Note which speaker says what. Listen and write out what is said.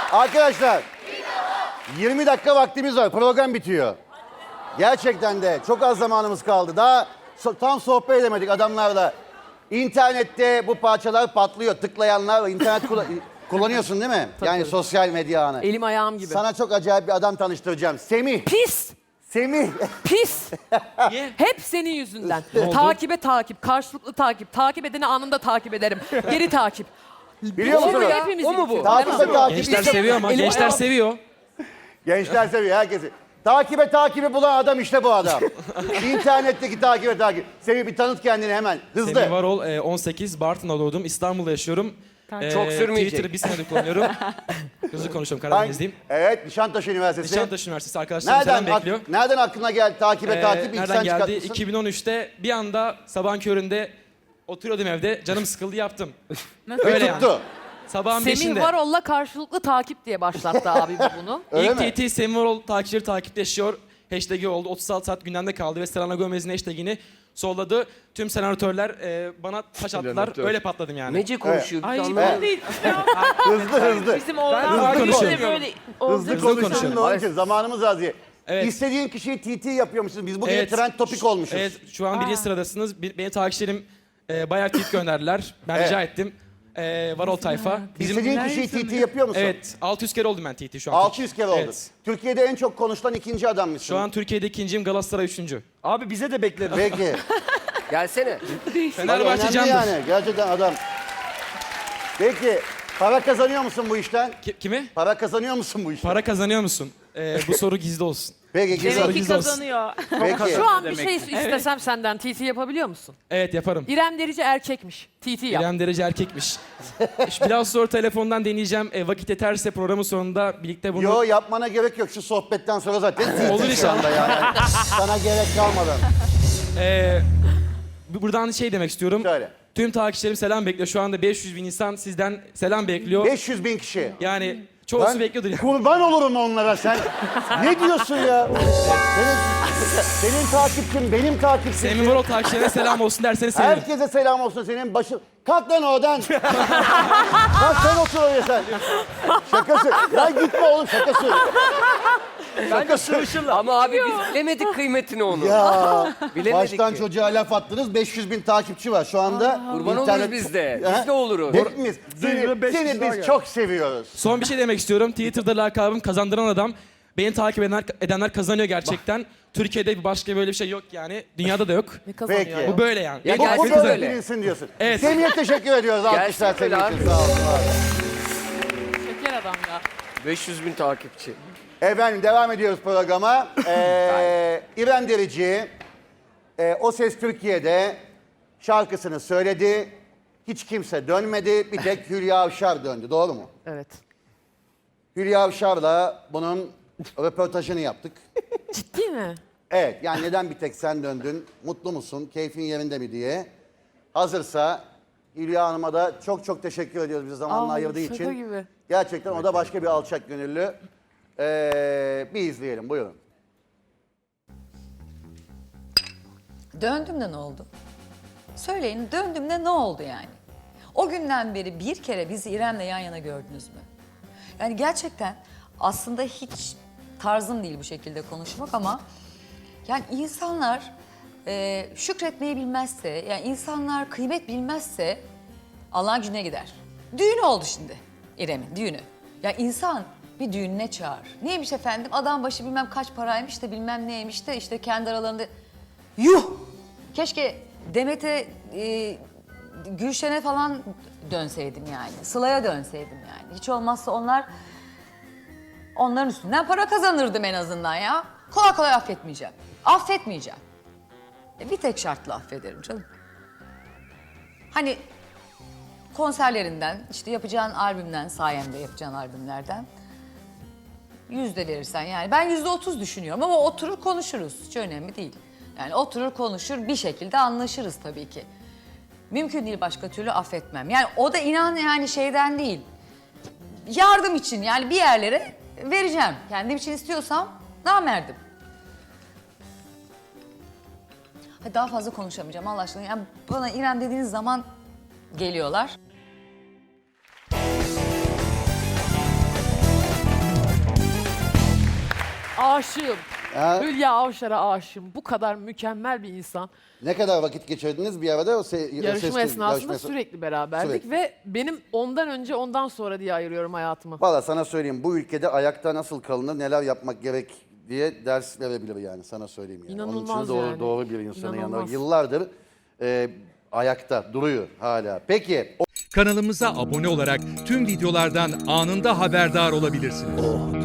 Speaker 1: Arkadaşlar 20 dakika vaktimiz var. Program bitiyor. Gerçekten de çok az zamanımız kaldı. Daha tam sohbet edemedik adamlarla. İnternette bu parçalar patlıyor. Tıklayanlar var. İnternet kullanıyorsun değil mi? Yani sosyal medya ağını.
Speaker 2: Elim ayağım gibi.
Speaker 1: Sana çok acayip bir adam tanıştıracağım. Semih.
Speaker 2: Pis.
Speaker 1: Semih.
Speaker 2: Pis. Hep senin yüzünden. Takibe takip, karşılıklı takip. Takip edeni anında takip ederim. Geri takip.
Speaker 1: Biliyor musun?
Speaker 2: O mu bu?
Speaker 1: Takip ve takip.
Speaker 3: Gençler seviyor ama gençler seviyor.
Speaker 1: Gençler seviyor herkesi. Takibi bulan adam işte bu adam. İnternetteki takip. Semih bir tanıt kendini hemen. Hızlı.
Speaker 3: Semih Varol, 18, Bartın'da doğdum. İstanbul'da yaşıyorum.
Speaker 4: Çok sürmeyecek.
Speaker 3: Twitter'ı bir senedir kullanıyorum. Hızlı konuşuyorum, Karadenizliyim.
Speaker 1: Evet, Nişantaşı Üniversitesi.
Speaker 3: Nişantaşı Üniversitesi arkadaşlarım selam bekliyor.
Speaker 1: Nereden aklına geldi takip? İlk
Speaker 3: Nereden
Speaker 1: sen
Speaker 3: geldi?
Speaker 1: çıkartmışsın.
Speaker 3: 2013'te bir anda sabahın köründe oturuyordum evde. Canım sıkıldı yaptım.
Speaker 1: Ve
Speaker 3: Öyle
Speaker 1: tuttu.
Speaker 3: yani. Sabahın
Speaker 2: Semih
Speaker 3: 5'inde.
Speaker 2: Varol'la karşılıklı takip diye başlattı abi bunu.
Speaker 1: Öyle
Speaker 3: İlk
Speaker 1: mi?
Speaker 3: TT Semih Varol takipçileri takipleşiyor. Hashtag'i oldu. 36 saat gündemde kaldı ve Selena Gomez'in hashtag'ini solladı. Tüm senatörler bana taş attılar. Öyle patladım yani.
Speaker 4: Nece konuşuyor.
Speaker 5: Ay
Speaker 4: Biz
Speaker 5: bu
Speaker 4: anlamadık.
Speaker 5: değil.
Speaker 1: Hızlı.
Speaker 5: Bizim oğlan
Speaker 3: hızlı
Speaker 5: böyle
Speaker 3: konuşuyorum.
Speaker 5: böyle
Speaker 1: Hızlı
Speaker 3: konuşalım.
Speaker 1: konuşalım da onun için zamanımız az diye.
Speaker 3: Evet.
Speaker 1: İstediğin kişiyi TT yapıyormuşsun. Biz bugün
Speaker 3: Evet.
Speaker 1: trend topik olmuşuz.
Speaker 3: Evet, şu an birinci sıradasınız. Benim takipçilerim bayağı tweet gönderdiler. Ben rica ettim. Varol tayfa.
Speaker 1: İstediğin kişiyi TT yapıyor musun?
Speaker 3: Evet, 600 kere oldum ben TT şu an.
Speaker 1: 600 kere oldu.
Speaker 3: Evet.
Speaker 1: Türkiye'de en çok konuşulan ikinci adammışsın.
Speaker 3: Şu an Türkiye'de ikinciyim, Galatasaray üçüncü.
Speaker 6: Abi bize de bekleriz.
Speaker 1: Peki.
Speaker 4: Gelsene.
Speaker 3: Fenerbahçe
Speaker 1: Önemli
Speaker 3: candır.
Speaker 1: yani. Gerçekten adam. Peki. Para kazanıyor musun bu işten?
Speaker 3: Kimi?
Speaker 1: Para kazanıyor musun bu işten?
Speaker 3: Para kazanıyor musun? Bu soru gizli olsun.
Speaker 1: Peki.
Speaker 3: Demek
Speaker 1: Güzel.
Speaker 5: Demek ki
Speaker 3: Gizli olsun.
Speaker 5: kazanıyor.
Speaker 1: Peki.
Speaker 2: Şu an bir şey istesem senden TT yapabiliyor musun?
Speaker 3: Evet, yaparım.
Speaker 2: İrem Derici erkekmiş. TT yap.
Speaker 3: İrem Derece erkekmiş. Biraz sonra telefondan deneyeceğim. Vakit yeterse programın sonunda birlikte bunu...
Speaker 1: Yo yapmana gerek yok. Şu sohbetten sonra zaten TT
Speaker 3: Olur
Speaker 1: şu
Speaker 3: inşallah.
Speaker 1: anda yani. Sana gerek kalmadan.
Speaker 3: Buradan şey demek istiyorum.
Speaker 1: Söyle.
Speaker 3: Tüm takipçilerim selam bekliyor. Şu anda 500 bin insan sizden selam bekliyor.
Speaker 1: 500 bin kişi.
Speaker 3: Yani çoğusu
Speaker 1: Ben
Speaker 3: bekliyordur. Yani.
Speaker 1: kurban olurum onlara sen. Ne diyorsun ya? Senin takipçin, benim takipçim.
Speaker 3: Semih Varol takipçilerine selam olsun derseniz sevinirim.
Speaker 1: Herkese selam olsun senin başın. Kalk lan oradan. Kalk sen otur oraya sen. Şakası. Ya gitme oğlum şakası. Şakası.
Speaker 4: Ama abi biz bilemedik kıymetini onu.
Speaker 1: Ya
Speaker 4: Bilemedik
Speaker 1: baştan
Speaker 4: ki.
Speaker 1: çocuğa laf attınız. 500 bin takipçi var şu anda.
Speaker 4: Kurban oluruz biz de. Biz de oluruz.
Speaker 1: Hepimiz. Seni biz çok seviyoruz.
Speaker 3: Son bir şey demek istiyorum. Twitter'da lakabım kazandıran adam. Beni takip edenler kazanıyor gerçekten. Türkiye'de başka böyle bir şey yok yani. Dünyada da yok.
Speaker 2: Ne kazanıyor?
Speaker 1: Peki.
Speaker 2: ya?
Speaker 3: Bu böyle yani.
Speaker 4: Ya
Speaker 1: Bu
Speaker 4: gelsin
Speaker 1: böyle
Speaker 4: böyle.
Speaker 1: bilinsin diyorsun.
Speaker 3: Evet.
Speaker 1: Semih'e teşekkür ediyoruz. Alkışlar
Speaker 4: Gelsin
Speaker 1: Semih
Speaker 4: böyle
Speaker 1: için.
Speaker 4: abi.
Speaker 1: Sağ olun. var olun.
Speaker 2: Şeker adam ya.
Speaker 4: 500 bin takipçi.
Speaker 1: Efendim devam ediyoruz programa. İrem Derici, O Ses Türkiye'de şarkısını söyledi. Hiç kimse dönmedi. Bir tek Hülya Avşar döndü. Doğru mu?
Speaker 2: Evet.
Speaker 1: Hülya Avşar'la bunun röportajını yaptık.
Speaker 2: Ciddi mi?
Speaker 1: Evet, yani neden bir tek sen döndün? Mutlu musun? Keyfin yerinde mi diye. Hazırsa Hülya Hanım'a da çok çok teşekkür ediyoruz bize zamanla ayırdığı
Speaker 2: şaka
Speaker 1: için.
Speaker 2: gibi.
Speaker 1: Gerçekten o da başka bir alçak gönüllü. Bir izleyelim, buyurun.
Speaker 7: Döndüm de ne oldu? Söyleyin, döndüm de ne oldu yani? O günden beri bir kere bizi İrem'le yan yana gördünüz mü? Yani gerçekten aslında hiç tarzım değil bu şekilde konuşmak ama yani insanlar şükretmeyi bilmezse, yani insanlar kıymet bilmezse Allah'ın gücüne gider. Düğün oldu şimdi İrem'in düğünü. Ya insan bir düğününe çağır. Neymiş efendim? Adam başı bilmem kaç paraymış da bilmem neymiş de işte kendi aralarında... Yuh! Keşke Demet'e, Gülşen'e falan dönseydim yani. Sıla'ya dönseydim yani. Hiç olmazsa onların üstünden para kazanırdım en azından ya. Kolay kolay affetmeyeceğim. Affetmeyeceğim. Bir tek şartla affederim canım. Hani konserlerinden, işte yapacağın albümden, sayemde yapacağın albümlerden %100 verirsen yani. Ben %30 düşünüyorum ama oturur konuşuruz. Hiç önemli değil. Yani oturur konuşur bir şekilde anlaşırız tabii ki. Mümkün değil başka türlü affetmem. Yani o da inan yani şeyden değil. Yardım için yani bir yerlere vereceğim. Kendim için istiyorsam namerdim. Hadi daha fazla konuşamayacağım Allah aşkına. Yani bana İrem dediğiniz zaman geliyorlar.
Speaker 2: Aşığım.
Speaker 1: Ha?
Speaker 2: Hülya Avşar'a aşığım. Bu kadar mükemmel bir insan.
Speaker 1: Ne kadar vakit geçirdiniz bir arada?
Speaker 2: Yarışma esnasında sürekli beraberdik
Speaker 1: Sürekli.
Speaker 2: ve benim ondan önce ondan sonra diye ayırıyorum hayatımı.
Speaker 1: Valla sana söyleyeyim, bu ülkede ayakta nasıl kalınır, neler yapmak gerek diye ders verebilir yani, sana söyleyeyim yani. Onun
Speaker 2: İnanılmaz
Speaker 1: için doğru,
Speaker 2: yani.
Speaker 1: doğru bir insanın yanında.
Speaker 2: İnanılmaz.
Speaker 1: Yıllardır ayakta duruyor hala. Peki
Speaker 5: Kanalımıza abone olarak tüm videolardan anında haberdar olabilirsiniz.